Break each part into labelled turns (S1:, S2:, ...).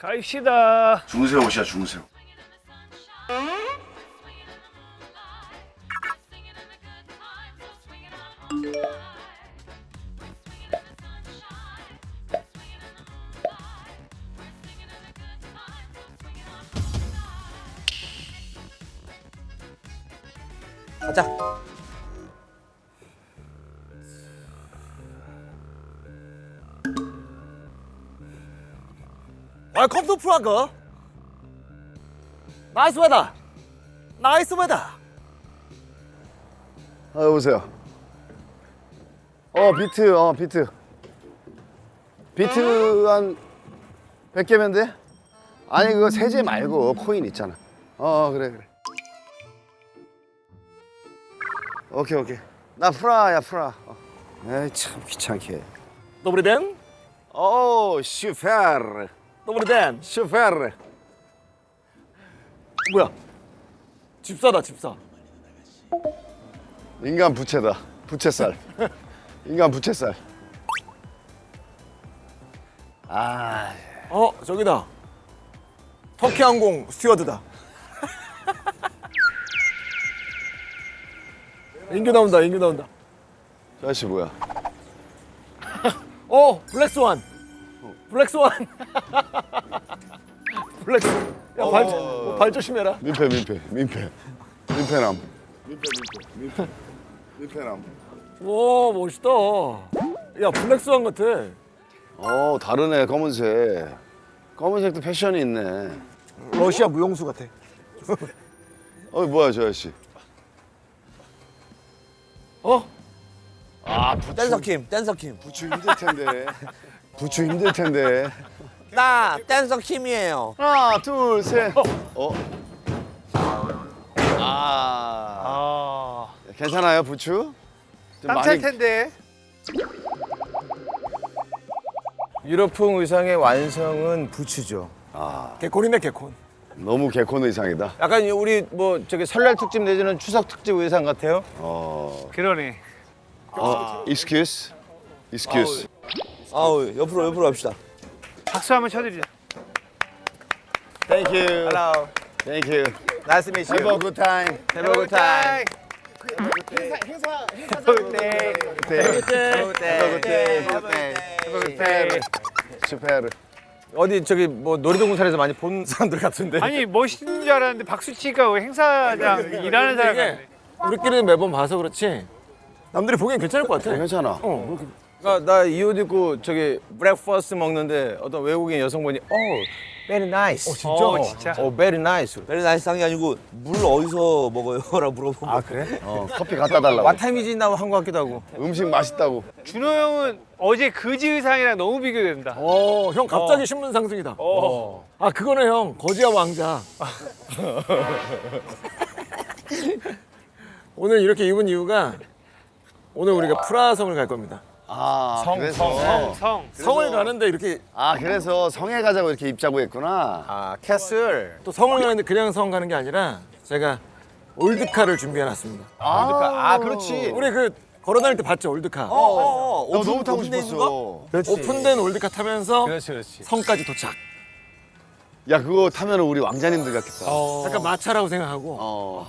S1: 가입시다.
S2: 중새 옷이야 중새 옷.
S3: 가자. 웰컴 투 프라그. 나이스 웨더. 나이스 웨더.
S2: 여보세요. 비트. 비트 한 100개면 돼? 아니 그거 세제 말고 코인 있잖아. 그래. 오케이. 나 프라야. 에이 참 귀찮게.
S3: Добрый день.
S2: 슈페르.
S3: Добрый день.
S2: 슈페르.
S3: 뭐야? 집사다 집사.
S2: 인간 부채다. 부채살. 인간 부채살.
S3: 저기다. 터키항공 스튜어드다. 인규 나온다.
S2: 저 아저씨 뭐야?
S3: 블랙스완. 블랙스완. 야, 발 조심해라.
S2: 민폐남.
S3: 오, 멋있다. 야, 블랙스완 같아.
S2: 다르네 검은색. 검은색도 패션이 있네.
S3: 러시아 무용수 같아.
S2: 뭐야 저 아저씨?
S3: 댄서킴.
S2: 부추 힘들 텐데.
S3: 나 댄서킴이에요.
S2: 하나, 둘, 셋. 괜찮아요 부추? 좀
S1: 땀 찰 텐데.
S4: 유럽풍 의상의 완성은 부츠죠.
S3: 개콘이네, 개콘.
S2: 너무 개콘 의상이다.
S4: 약간 우리 뭐 저기 설날 특집 내지는 추석 특집 의상 같아요.
S1: 그러네.
S2: excuse.
S3: 옆으로 합시다.
S1: 박수 한번 쳐드리자.
S2: Thank you.
S4: Hello.
S2: Thank you.
S4: Nice to meet you.
S2: Have a good time.
S4: Have a good time.
S2: 슈페르.
S4: 어디 저기 뭐 놀이동산에서 많이 본 사람들 같은데.
S1: 아니 멋있는 줄 알았는데 박수치가 왜 행사장 일하는 사람
S3: 이게
S1: 같네.
S3: 우리끼리는 매번 봐서 그렇지 남들이 보기엔 괜찮을 것 같아.
S2: 괜찮아.
S4: 나 이 옷 입고 저기 브렉퍼스트 먹는데 어떤 외국인 여성분이 very nice.
S1: 진짜?
S4: very nice.
S3: 베리 나이스 한게 아니고 물 어디서 먹어요? 라고 물어보면
S4: 그래?
S2: 커피 갖다 달라고.
S4: What time is it now 한 것 같기도 하고.
S2: 음식 맛있다고.
S1: 준호 형은 어제 그지 의상이랑 너무 비교된다.
S3: 형 갑자기 신분 상승이다. 그거네 형 거지와 왕자. 오늘 이렇게 입은 이유가 오늘 우리가 프라하성을 갈 겁니다.
S2: 그래서.
S3: 성을 가는데 이렇게
S2: 그래서 성에 가자고 이렇게 입자고 했구나.
S4: 캐슬.
S3: 또 성을 가는데 그냥 성 가는 게 아니라 제가 올드카를 준비해놨습니다.
S4: 그렇지.
S3: 우리 그 걸어다닐 때 봤죠 올드카.
S2: 나 너무 타고 싶었어.
S3: 오픈된 올드카 타면서
S4: 그렇지.
S3: 성까지 도착.
S2: 야 그거 타면 우리 왕자님들 같겠다.
S3: 약간 마차라고 생각하고.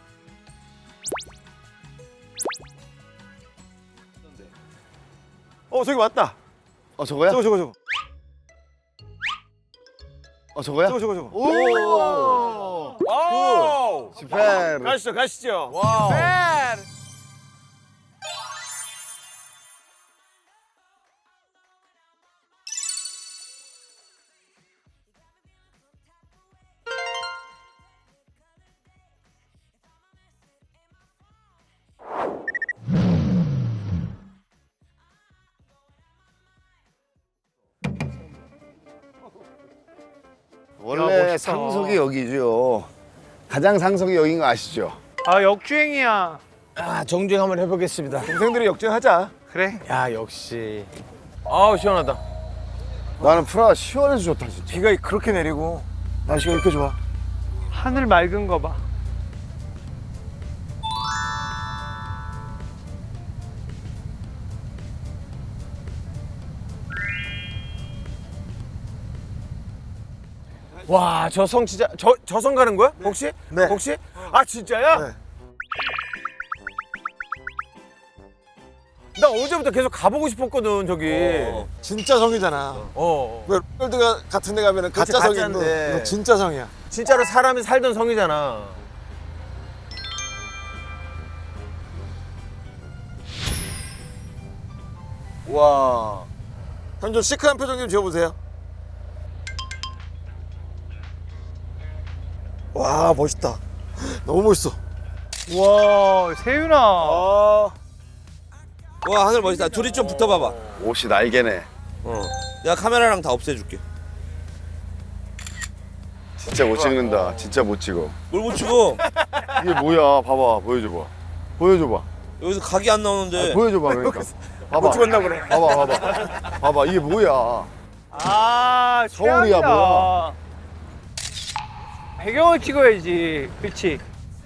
S4: 저기 왔다.
S2: 저거야?
S4: 저거.
S2: 저거야?
S4: 저거.
S2: 오! 슈페르.
S3: 가시죠.
S2: 원래
S1: 멋있다.
S2: 상석이 여기죠. 가장 상석이 여긴 거 아시죠?
S1: 역주행이야.
S4: 정주행 한번 해보겠습니다.
S3: 동생들이 역전하자.
S1: 그래.
S4: 야 역시. 시원하다.
S2: 나는 프라 시원해서 좋다 진짜.
S3: 비가 그렇게 내리고 날씨가 이렇게 좋아.
S1: 하늘 맑은 거 봐.
S4: 와, 저 성 진짜 저 성 가는 거야? 혹시?
S3: 네.
S4: 혹시? 아, 진짜야?
S3: 네.
S4: 나 어제부터 계속 가보고 싶었거든, 저기.
S3: 진짜 성이잖아. 왜 롤드 같은 데 가면은
S4: 그렇지,
S3: 가짜 성인데
S4: 가짜인데.
S3: 이거 진짜 성이야.
S4: 진짜로 사람이 살던 성이잖아.
S3: 와. 형 좀 시크한 표정 좀 지어보세요. 와 멋있다. 너무 멋있어.
S1: 와 세윤아.
S5: 와 하늘 멋있다. 둘이 좀 붙어봐봐.
S2: 옷이 날개네.
S5: 내가 카메라랑 다 없애줄게.
S2: 진짜 못 찍는다. 진짜 못 찍어.
S5: 뭘 못 치고
S2: 이게 뭐야? 봐봐, 보여줘봐. 보여줘봐.
S5: 여기서 각이 안 나오는데.
S2: 보여줘봐, 그러니까. 봐봐.
S4: 찍었나 보네.
S2: 봐봐, 봐봐. 봐봐, 이게 뭐야?
S1: 아
S2: 서울이야,
S1: 최악이다.
S2: 뭐야.
S1: 배경을 찍어야지. 그렇지.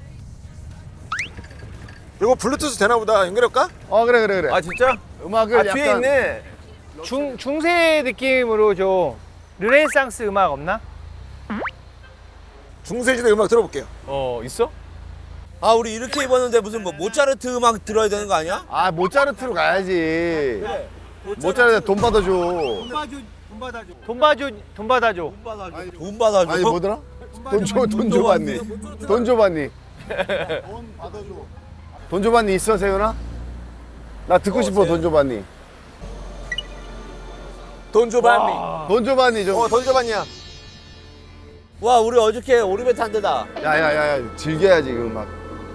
S3: 이거 블루투스 되나 보다. 연결할까?
S2: 그래, 그래, 그래.
S4: 아, 진짜?
S2: 음악을
S4: 아,
S2: 약간
S4: 뒤에 있네.
S1: 중세 느낌으로 좀 르네상스 음악 없나?
S3: 중세시대 음악 들어볼게요.
S4: 있어?
S5: 아 우리 이렇게 입었는데 무슨 뭐 모차르트 음악 들어야 되는 거 아니야?
S2: 모차르트로 가야지. 모차르트 돈 받아줘.
S1: 돈 받아줘.
S5: 돈 받아줘.
S2: 아니 뭐더라? 돈 줘봤니? 돈 줘봤니? 돈 줘봤니 있어 세윤아? 나 듣고 싶어 돈 줘봤니?
S3: 돈 줘봤니?
S2: 돈 줘봤니 좀?
S3: 돈 줘봤냐?
S5: 와 우리 어저께 오리배 탄 데다.
S2: 야야야야 즐겨야지 그 음악.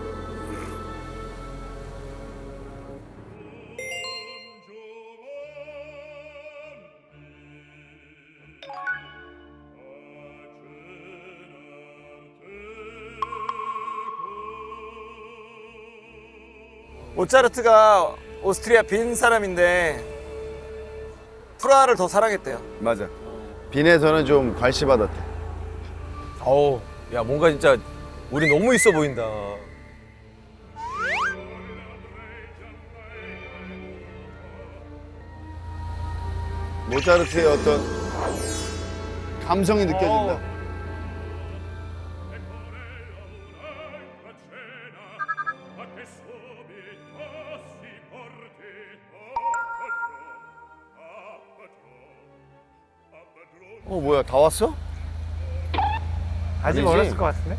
S3: 모차르트가 오스트리아 빈 사람인데 프라하를 더 사랑했대요.
S2: 맞아. 빈에서는 좀 괄시받았대.
S4: 어우, 야, 뭔가 진짜 우리 너무 있어 보인다.
S2: 모차르트의 어떤 감성이 느껴진다. 뭐야 다 왔어?
S1: 아직
S2: 아니지.
S1: 멀었을 것 같은데.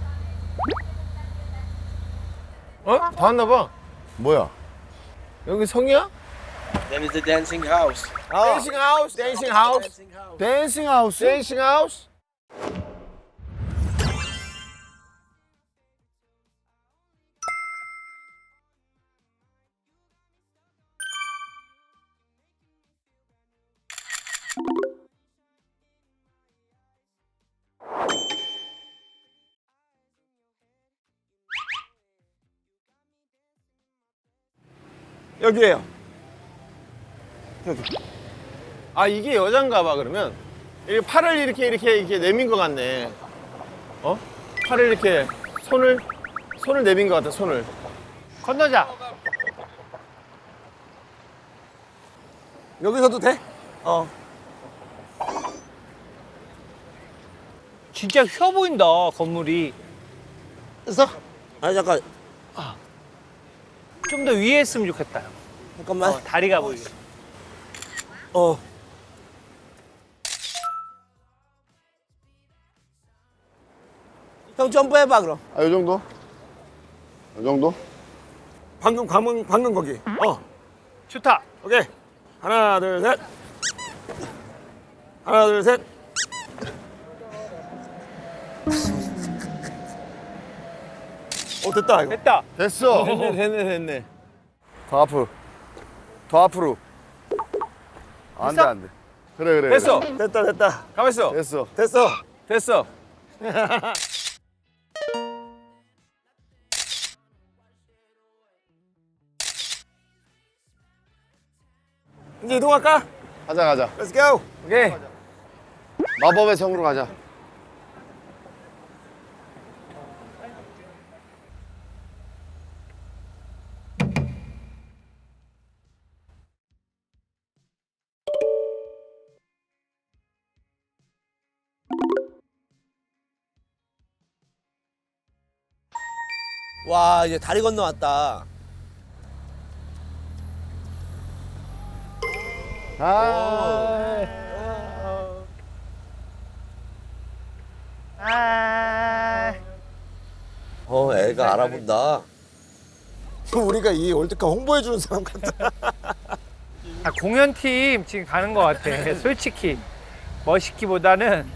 S4: 다 왔나 봐.
S2: 뭐야?
S4: 여기 성이야?
S5: Then it's the dancing house.
S4: 댄싱 하우스, 댄싱 하우스,
S2: 댄싱 하우스?
S4: 댄싱 하우스.
S3: 여기에요.
S4: 아, 이게 여잔가 봐, 그러면. 이게 팔을 이렇게 내민 것 같네. 팔을 이렇게, 손을 내민 것 같아, 손을.
S1: 건너자.
S3: 여기서도 돼?
S1: 진짜 휘어 보인다 건물이.
S5: 아니 잠깐
S1: 좀 더 위에 했으면 좋겠다.
S5: 잠깐만.
S1: 다리가 보이게.
S5: 형 점프해봐 그럼.
S2: 요 정도? 요 정도?
S3: 방금 거기.
S1: 좋다.
S3: 오케이. 하나 둘 셋. 하나 둘 셋. 됐다 이거.
S1: 됐다.
S2: 됐어.
S4: 됐네.
S2: 더 앞으로. 더 앞으로. 안 돼, 안 돼. 그래.
S4: 됐어.
S3: 됐다.
S4: 가만있어.
S2: 됐어.
S4: 됐어.
S3: 이제 이동할까?
S2: 가자.
S3: Let's go.
S4: 오케이.
S2: 마법의 성으로 가자.
S5: 와 이제 다리 건너왔다. 애가 알아본다.
S3: 우리가 이 월드컵 홍보해주는 사람 같다.
S1: 아, 공연팀 지금 가는 것 같아. 솔직히 멋있기보다는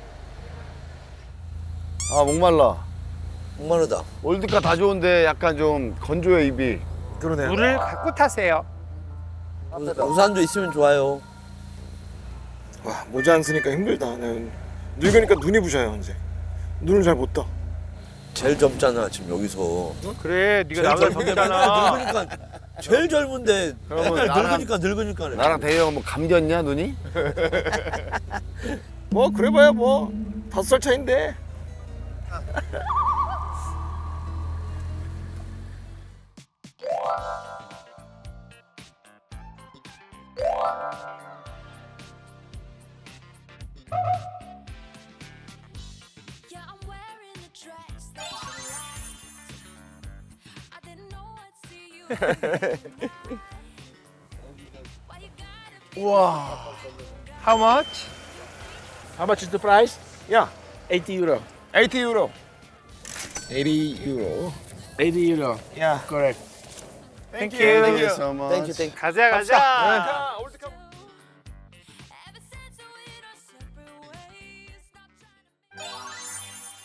S2: 아 목말라.
S5: 목마르다.
S2: 월드컵 다 좋은데 약간 좀 건조해 입이.
S3: 그러네요.
S1: 물을 갖고 타세요.
S5: 우산도 있으면 좋아요.
S3: 와, 모자 안 쓰니까 힘들다. 늙으니까 눈이 부셔요 이제. 눈을 잘 못 떠.
S5: 제일 젊잖아 지금 여기서.
S1: 그래, 네가 나보다 젊잖아.
S5: 늙으니까 제일 젊은데
S2: 그러면
S5: 맨날
S2: 나랑-
S5: 늙으니까.
S2: 나랑 대형 뭐 감겼냐 눈이?
S3: 뭐 그래봐야 뭐 5살 차인데.
S6: Yeah, I'm wearing the dress that you liked. I didn't know I'd see you. Why you gotta be
S1: How much?
S7: How much is the price?
S3: 야,
S7: 80 euro.
S3: 80 유로.
S7: 80 euro. 80 euro.
S3: 야,
S7: Correct.
S1: Thank
S2: Thank
S1: you.
S2: you so much.
S1: 가자.
S3: 자, 월드컵.
S6: ever since we went our separate ways. Stop trying to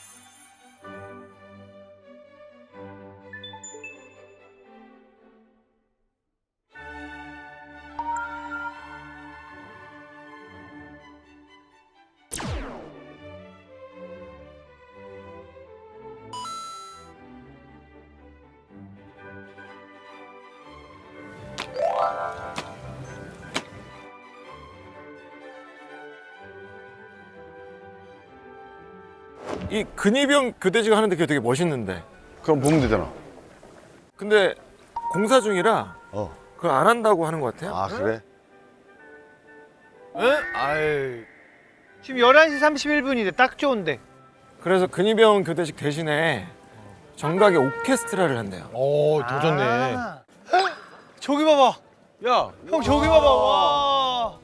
S3: 이 근위병 교대식 하는데 그게 되게 멋있는데.
S2: 그럼 보면 되잖아.
S3: 근데 공사 중이라
S2: 어.
S3: 그걸 안 한다고 하는 것 같아요.
S2: 아 그래?
S1: 응? 아유. 지금 11시 31분인데 딱 좋은데.
S3: 그래서 근위병 교대식 대신에 정각의 오케스트라를 한대요.
S4: 오, 더 좋네.
S1: 아. 저기 봐봐.
S4: 야,
S1: 형 저기 봐봐. 와.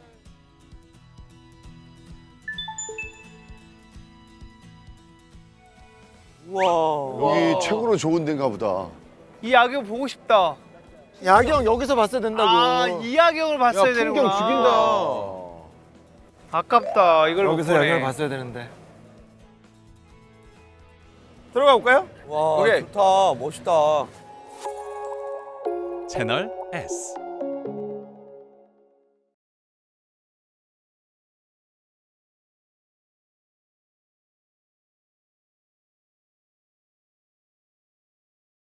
S2: 여기 최고로 좋은 데인가 보다.
S1: 이 야경 보고 싶다.
S3: 야경 여기서 봤어야 된다고.
S1: 아, 이 야경을
S4: 야,
S1: 봤어야
S4: 풍경
S1: 되는구나.
S4: 죽인다.
S1: 아깝다. 이걸 못
S3: 여기서
S1: 보네.
S3: 야경을 봤어야 되는데. 들어가 볼까요?
S5: 와
S3: 오케이.
S5: 좋다 멋있다.
S8: 채널 S